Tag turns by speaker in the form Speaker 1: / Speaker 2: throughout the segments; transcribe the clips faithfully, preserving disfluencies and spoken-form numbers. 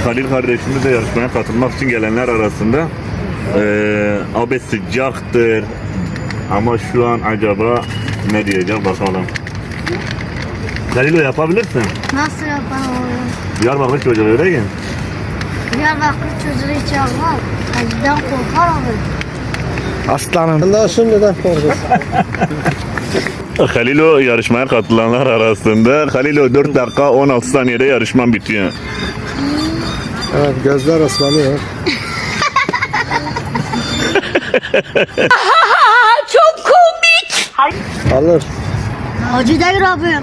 Speaker 1: Halil kardeşimiz de yarışmaya katılmak için gelenler arasında. Ee, abi sıcaktır ama şu an acaba ne diyecek bakalım. Halil, o yapabilirsin.
Speaker 2: Nasıl yapalım?
Speaker 1: Diyarbakır çocuğu öyle ki.
Speaker 2: Diyarbakır çocuğu hiç yapmaz. Halil'den korkar abi.
Speaker 3: Aslanım. Daha şimdiden korkuyorsun.
Speaker 1: Halilo yarışmaya katılanlar arasında. Halilo dört dakika on altı saniyede yarışman bitiyor.
Speaker 3: Evet, gözler ıslanıyor.
Speaker 2: Çok komik.
Speaker 3: Alır.
Speaker 2: Hacı değil abi.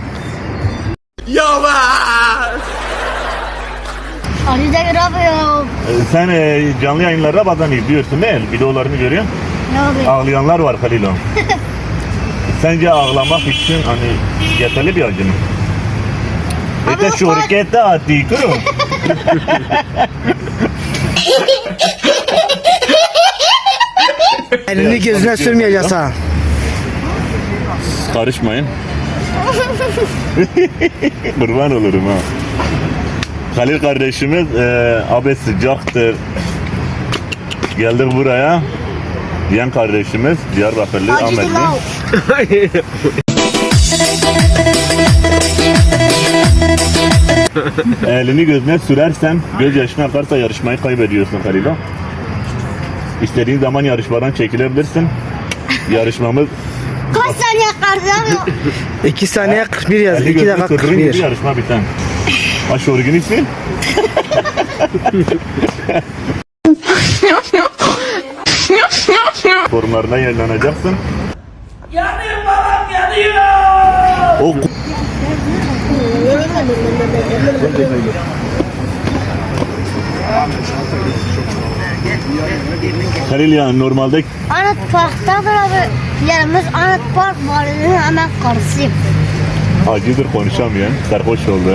Speaker 4: Yavaş!
Speaker 2: Hacı değil abi ya.
Speaker 1: Ee, Sen e, canlı yayınlarda bazen izliyorsun değil mi? Videolarını görüyorsun.
Speaker 2: Ne abi?
Speaker 1: Ağlayanlar var Halilo. Sence ağlamak için hani yeterli bir acı mı?
Speaker 2: Abi
Speaker 1: İşte
Speaker 2: o
Speaker 1: şu
Speaker 2: kadar-
Speaker 1: harekette attı kuru.
Speaker 3: Elini gözüne sürmeyeceğiz ha.
Speaker 1: Karışmayın. Kurban olurum ha. Halil kardeşimiz e, abi sıcaktır. Geldik buraya. Diyen kardeşimiz Diyarbakırlı
Speaker 2: Hacı
Speaker 1: Ahmetli.
Speaker 2: Dilav.
Speaker 1: Elini gözüne sürersen, göz yaşına akarsa yarışmayı kaybediyorsun Halilo. İstediğin zaman yarışmadan çekilebilirsin. Yarışmamız
Speaker 2: Kaç saniye kaldı abi?
Speaker 3: iki saniye kırk bir yaz.
Speaker 1: elini
Speaker 3: iki
Speaker 1: gözüne
Speaker 3: dakika kırk
Speaker 1: sürdüğün gibi
Speaker 3: bir.
Speaker 1: yarışma biten. Başörgünü sil. Forumlarına yayınlanacaksın.
Speaker 4: Yanıyor babam yanıyor!
Speaker 1: O Halil ya normalde
Speaker 2: Anıt Park'tadır abi. Yerimiz Anıt Park Valinin hemen karşısıyım.
Speaker 1: acıdır konuşamayan, sarhoş oldu.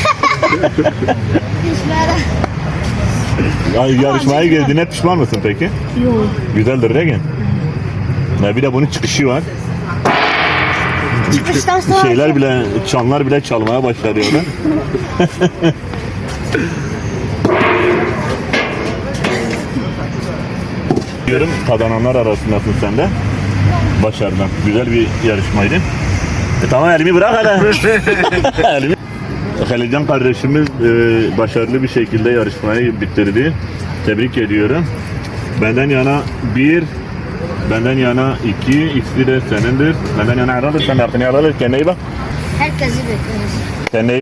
Speaker 2: İşlere.
Speaker 1: Ya, yarışmaya girdiğine pişman mısın peki?
Speaker 2: Yok.
Speaker 1: Güzeldir değil mi? Ya bir de bunun çıkışı var.
Speaker 2: Çıkıştan sonra
Speaker 1: Şeyler bile, çanlar bile çalmaya başladı orada. Diyorum, kazananlar arasındasın sen de. Başardın. Güzel bir yarışmaydı. E, tamam, elimi bırak hele. elimi. Halilcan kardeşimiz e, başarılı bir şekilde yarışmayı bitirdi. Tebrik ediyorum. Benden yana bir, benden yana iki, ikisi de senindir. Benden yana ayrılır, sen de hakkını alır. Kendine iyi bak.
Speaker 2: herkesi bekleriz.
Speaker 1: Kendine iyi